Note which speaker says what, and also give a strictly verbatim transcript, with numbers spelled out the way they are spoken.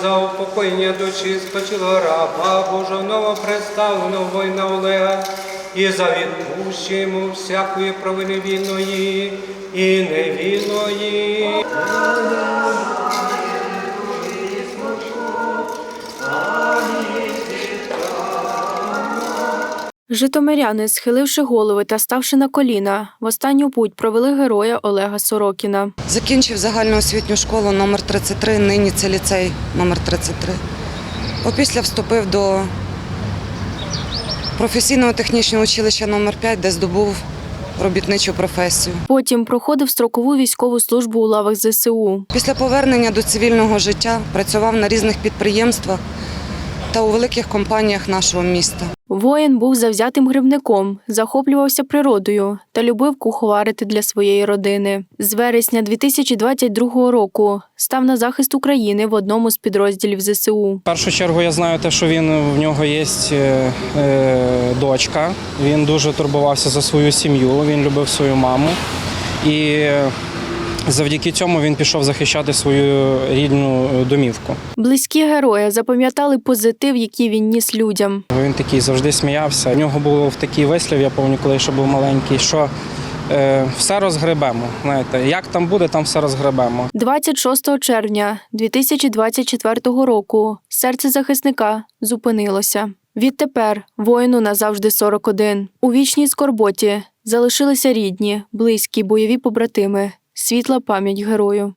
Speaker 1: за упокоєння душі спочилого раба Божого новопредставленого воїна Олега, і за відпущення йому всякої провини вільної і невільної.
Speaker 2: Житомиряни, схиливши голови та ставши на коліна, в останню путь провели героя Олега Сорокіна.
Speaker 3: Закінчив загальноосвітню школу номер тридцять три, нині це ліцей номер тридцять три. Опісля вступив до професійного технічного училища номер п'ять, де здобув робітничу професію.
Speaker 2: Потім проходив строкову військову службу у лавах зе се у.
Speaker 3: Після повернення до цивільного життя працював на різних підприємствах та у великих компаніях нашого міста.
Speaker 2: Воїн був завзятим грибником, захоплювався природою та любив куховарити для своєї родини. З вересня дві тисячі двадцять другого року став на захист України в одному з підрозділів зе се у.
Speaker 4: В першу чергу я знаю те, що він, в нього є е, е, дочка, він дуже турбувався за свою сім'ю, він любив свою маму. І завдяки цьому він пішов захищати свою рідну домівку.
Speaker 2: Близькі героя запам'ятали позитив, який він ніс людям.
Speaker 4: Він такий завжди сміявся. У нього був такий вислів, я пам'ятаю, коли ще був маленький, що е, все розгребемо. Знаєте, як там буде, там все розгребемо.
Speaker 2: двадцять шостого червня дві тисячі двадцять четвертого року серце захисника зупинилося. Відтепер воїну назавжди сорок один. У вічній скорботі залишилися рідні, близькі, бойові побратими. Світла пам'ять герою.